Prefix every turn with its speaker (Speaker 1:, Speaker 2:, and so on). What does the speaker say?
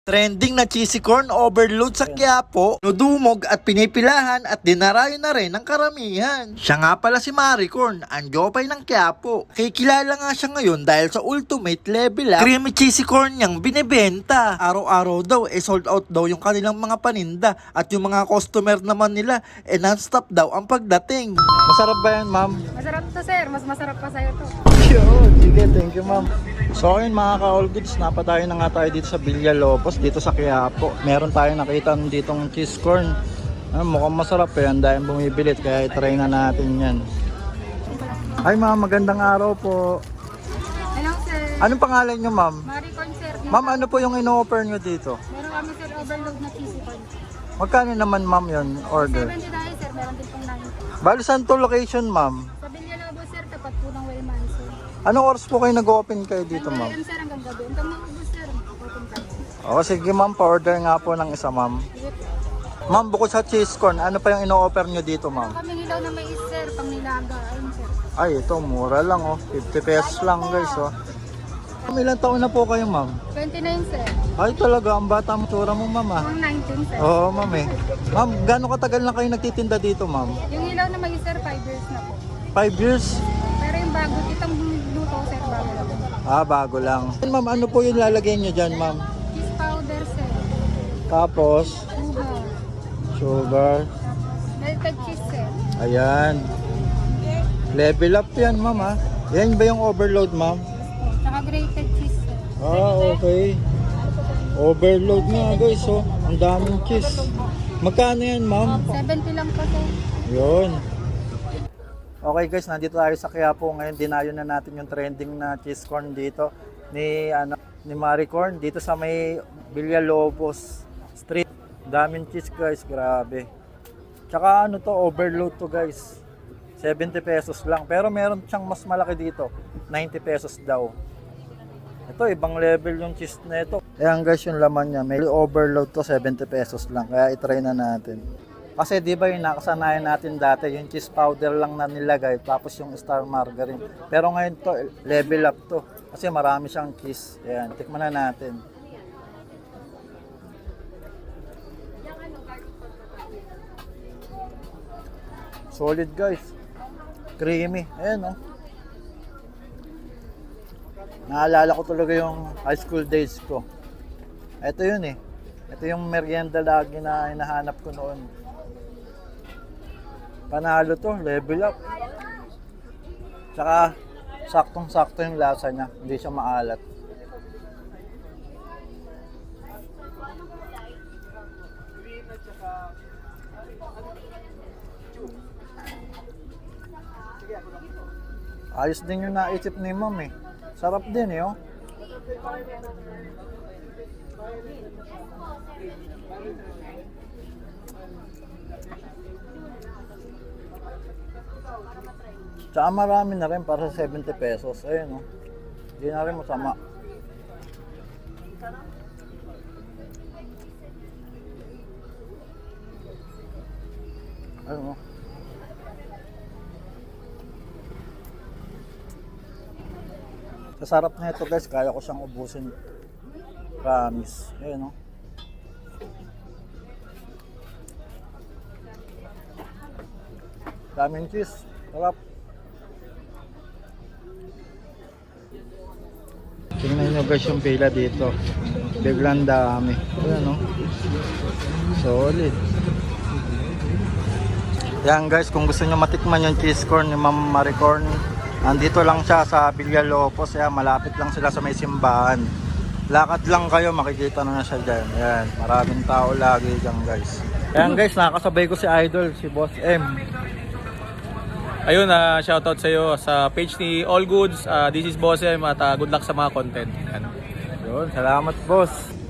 Speaker 1: Trending na cheesy corn overload sa Quiapo, nudumog at pinipilahan at dinarayo na rin ng karamihan. Siya nga pala si Maricorn, ang jopay ng Quiapo. Kikilala nga siya ngayon dahil sa ultimate level up creamy cheesy corn niyang binibenta. Araw-araw daw sold out daw yung kanilang mga paninda at yung mga customer naman nila non-stop daw ang pagdating.
Speaker 2: Masarap ba yan, ma'am?
Speaker 3: Masarap to, sir. Mas masarap pa sa'yo to.
Speaker 2: Yun, sige, thank you, ma'am. So ayun mga ka-all goods, napatayo na nga tayo dito sa Villalobos, dito sa Quiapo. Meron tayo nakita ditong cheese corn. Mukhang masarap yan dahil bumibilit, kaya i-try na natin yan. Ay ma'am, magandang araw po.
Speaker 3: Hello, sir.
Speaker 2: Anong pangalan nyo, ma'am?
Speaker 3: Maricorn, sir.
Speaker 2: Ma'am, ano po yung ino-offer nyo dito?
Speaker 3: Meron kami, sir, overload na cheesy corn.
Speaker 2: Magkano naman, ma'am, yun order?
Speaker 3: 70 tayo, sir. Meron din pong 90.
Speaker 2: Bali, saan to location, ma'am?
Speaker 3: Sa Villalobos, sir. Tapat po ng Wayman, sir.
Speaker 2: Anong oras po kayo nag-open kayo dito, ma'am?
Speaker 3: Sir, hanggang gabi. Hanggang maubos, sir. Open tayo.
Speaker 2: O, sige ma'am, pa-order nga po ng isa, ma'am. Ma'am, bukod sa cheese corn, ano pa yung ino-offer nyo dito, ma'am?
Speaker 3: Kami nilaw na mais, sir. Pang nilaga. Ayun, sir.
Speaker 2: Ay, ito, mura lang, oh. 50 pesos lang, guys, oh. Ma'am, ilang taon na po kayo, ma'am?
Speaker 3: 29, sir.
Speaker 2: Ay, talaga, ang bata mo, tsura mo, ma'am, ah.
Speaker 3: Pang 19, sir.
Speaker 2: Oo, ma'am, eh. Ma'am, gaano katagal na kayo nagtitinda dito, ma'am?
Speaker 3: Yung ilaw na mais, sir, 5 years na po.
Speaker 2: 5 years?
Speaker 3: Pero yung bago, itong luto, sir, bago lang.
Speaker 2: Ah, bago lang. Ma'am, ano po yung lalagay nyo dyan, ma'am?
Speaker 3: Cheese powder, sir.
Speaker 2: Tapos,
Speaker 3: Sugar.
Speaker 2: sugar.
Speaker 3: Melted cheese, sir.
Speaker 2: Ayan. Level up yan, ma'am, ah. Yan ba yung overload, ma'am?
Speaker 3: Tsaka grated cheese, sir.
Speaker 2: Ah, okay. Overload nga, guys, oh. Ang daming cheese. Magkano yan, ma'am?
Speaker 3: 70 lang po, sir.
Speaker 2: Yun. Okay guys, nandito tayo sa Quiapo. Ngayon dinayo na natin yung trending na cheese corn dito ni Maricorn dito sa may Villalobos Street. Daming cheese guys, grabe. Tsaka ano to, overload to guys. 70 pesos lang. Pero meron siyang mas malaki dito. 90 pesos daw. Ito, ibang level yung cheese na ito. Ayan guys, yung laman niya. May overload to, 70 pesos lang. Kaya itry na natin. Kasi di ba yung nakasanayan natin dati, yung cheese powder lang na nilagay, tapos yung star margarine. Pero ngayon to, level up to. Kasi marami siyang cheese. Ayan, tikman na natin. Solid guys. Creamy. Ayan oh. Naalala ko talaga yung high school days ko. Ito yun eh. Ito yung merienda lagi na hinahanap ko noon. Panalo to, level up. Tsaka saktong-sakto yung lasa niya, hindi siya maalat. Ayos din yung naisip ni ma'am eh. Sarap din eh oh. Tsaka marami na rin para sa 70 pesos. Ayun oh. Hindi na rin masama. Ayun oh. Sa sarap na ito guys, kaya ko siyang ubusin. Promise. Ayun oh. Daming cheese. Sarap. Tingnan nyo guys yung pila dito. Biglang dami. Ayan o. Solid. Yan guys, kung gusto nyo matikman yung cheese corn ni Ma'am Maricorn, andito lang siya sa Villalobos. Ayan, malapit lang sila sa may simbahan. Lakad lang kayo, makikita na siya dyan. Ayan, maraming tao lagi dyan guys. Ayan guys, nakakasabay ko si Idol, si Boss M.
Speaker 4: Ayun, shoutout sa iyo sa page ni All Goods. This is Boss M at good luck sa mga content. Yan.
Speaker 2: Yun, salamat boss.